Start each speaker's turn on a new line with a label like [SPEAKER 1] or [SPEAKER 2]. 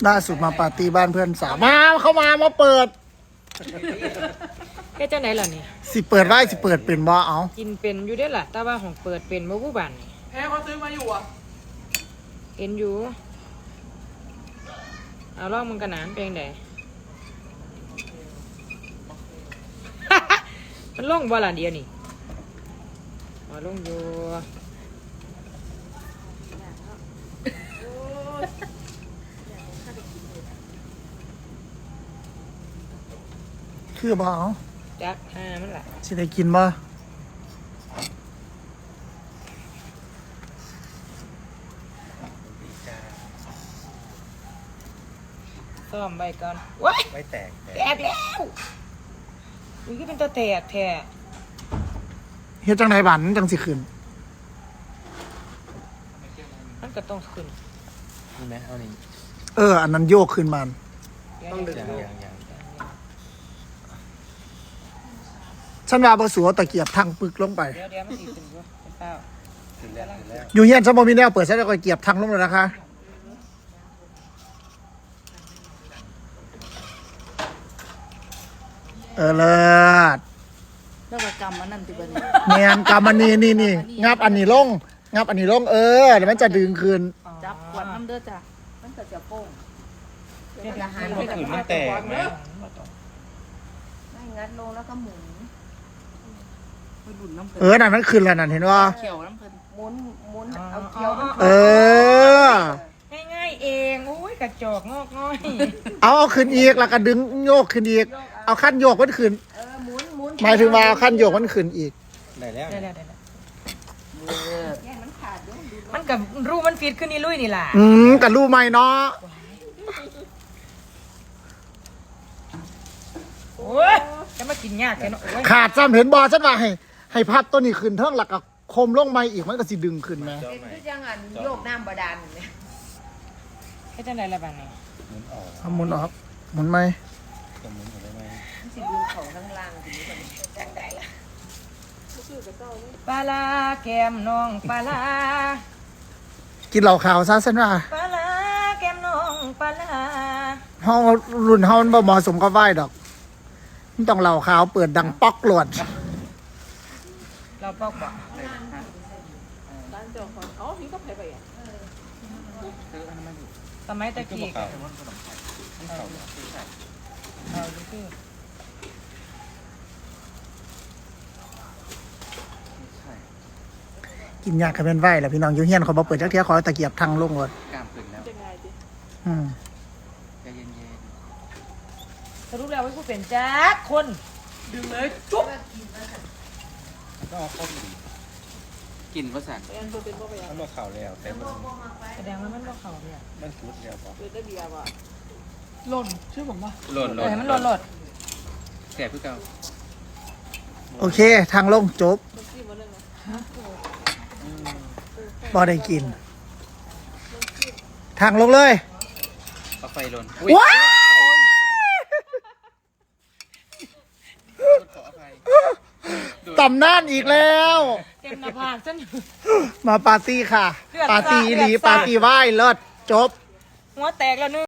[SPEAKER 1] ล่าสุดมาปาร์ตี้บ้านเพื่อนสาวมาเข้ามาเปิด
[SPEAKER 2] แค่เจ้าไหนล่ะนี่
[SPEAKER 1] สิเปิดไว้สิเปิดเป็นบ่เอา
[SPEAKER 2] กินเป็นอยู่ได้ล่ะแต่ว่าของเปิดเป็นบ่ผู้บ้านนี่
[SPEAKER 3] แพ้เขาซื้อมาอยู่อ่ะ
[SPEAKER 2] เห็นอยู่เอาลองมึงกระหนานเป็นไง มันลงบ่ล่ะเดียวนี่มาลงอยู่
[SPEAKER 1] คือบ่เอา
[SPEAKER 2] จักมันล่ะ
[SPEAKER 1] สิได้กินบ่
[SPEAKER 2] ซ่อมไว้ก่อนว้าย
[SPEAKER 4] ไม่แตก
[SPEAKER 2] แล้วอุ้ยก็เป็นตัวแตกแท้
[SPEAKER 1] เฮ็ดจังไดบันจังสิขึ้น
[SPEAKER 2] มันก็ต้องขึ้น
[SPEAKER 4] นี่ไหมเอานี่
[SPEAKER 1] อันนั้นโยกขึ้นมัน
[SPEAKER 4] ต้องดึงอย่าง
[SPEAKER 1] ฉันว่าบ่สัวตะเกียบทั้งปึกลงไป
[SPEAKER 2] เดี๋ยวมันสิขึ้นอยู่เปล่า
[SPEAKER 4] ถึงแล้ว
[SPEAKER 1] อยู่เฮียนฉันบ่มีแนวเปิดฉันจะตะเกียบทั้งลงเลยนะคะเลิศ
[SPEAKER 3] แล้วก็กรรมมันนั่นติบัน
[SPEAKER 1] เนียนกำมันนี่งับอันนี้ลงงับอันนี้ลงเดี๋ยวมันจะดึงคืน
[SPEAKER 3] จับขวดน้ำเด้อจ้ะมันก็จะโป้ง
[SPEAKER 2] เดี๋ยวหา
[SPEAKER 4] มันขืนมันแตกไหม
[SPEAKER 3] ไม่งัดลงแล้วก็หมุนไปหลุนน้ำเพลิน
[SPEAKER 1] นั่นมันคืนแล้วนั่นเห็นว่า
[SPEAKER 3] เขียวน้ำเพลินหมุนเอาเขียวน้ำเพ
[SPEAKER 1] ลิน
[SPEAKER 2] ง่ายๆเองโอ้ยกระจอกงอกง่อย
[SPEAKER 1] เอาขึ้นอีกแล้วก็ดึงโยกขึ้นอีกเอาขั้นโยกมันขึ้น
[SPEAKER 3] หมุน
[SPEAKER 1] หมายถึงว่าเอาขั้นโยกมันขึ้นอีก
[SPEAKER 4] ได้แล้ว
[SPEAKER 2] มันกับรูมันฟีดขึ้นนี่ลุยนี่ล่ะ
[SPEAKER 1] กับรูใหม่เนาะ
[SPEAKER 2] โอ้ยจะมากินยากแค่เนาะ
[SPEAKER 1] ขาดจำเห็นบอฉันว่าให้พับตัวนี้ขึ้นเท่าหลักกับคมลงมาอีกมันก็สิดึงขึ้นไหม
[SPEAKER 3] เป็นคือจังอันโยกน้ำบาดาลเนี่ย
[SPEAKER 2] แค่จังไรละบ้านนี่
[SPEAKER 1] หมุนออกหมุนไหม
[SPEAKER 4] จะหมุนได้ไหม
[SPEAKER 3] สิดูของข้างล่างทีนี้มันจังได้ละ
[SPEAKER 2] ปลาลาแก้มน้องปลาลา
[SPEAKER 1] กินเหล่าขาวซะฉันว่า
[SPEAKER 2] ปลาลาแก้มน้องปลาลา
[SPEAKER 1] ห้องรุ่นห้องบ่เหมาะสมกับไหวดอกมันต้องเหล่าขาวเปิดดังป๊อกหลวด
[SPEAKER 2] เราปอกบอก
[SPEAKER 3] ร้านเจ้าของอ๋อพี่ก็ไปไปอ่ะ
[SPEAKER 2] สมัยตะกี้
[SPEAKER 1] กินยากกับเป็นไหวแหละพี่น้องยูเฮียนเขาบอกเปิดจักเทียขอตะเกียบทางลงรถ
[SPEAKER 4] กล้ามขึ้นแล้วใจเย็น
[SPEAKER 2] สรุปแล้วว่าผู้เป็นจักคน
[SPEAKER 3] ดึงเลยจุ๊บ
[SPEAKER 4] ก็เอาเข้าดีกินภาษามันบอกเข่าแล้วแต่มัน
[SPEAKER 2] แสดงว่ามันบอกเขาเนี่ย
[SPEAKER 4] มันสุดแล้วป่ะ
[SPEAKER 3] ได้เบียร์ป่ะหล่นชื่อผมป่ะ
[SPEAKER 4] หล่น
[SPEAKER 2] มันหล่น
[SPEAKER 4] แสบเพื่อเก่า
[SPEAKER 1] โอเคทางลงจบบ่ได้กินทางลงเลย
[SPEAKER 4] เอาไฟหล่น
[SPEAKER 1] ว้าต่ำน่านอีกแล้ว
[SPEAKER 2] เต็มหน้าผากฉัน
[SPEAKER 1] มาปาร์ตี้ค่ะปาร์ตี้อีหลีปาร์ตี้ไหว้เลิศจบ
[SPEAKER 2] หัวแตกแล้วนึง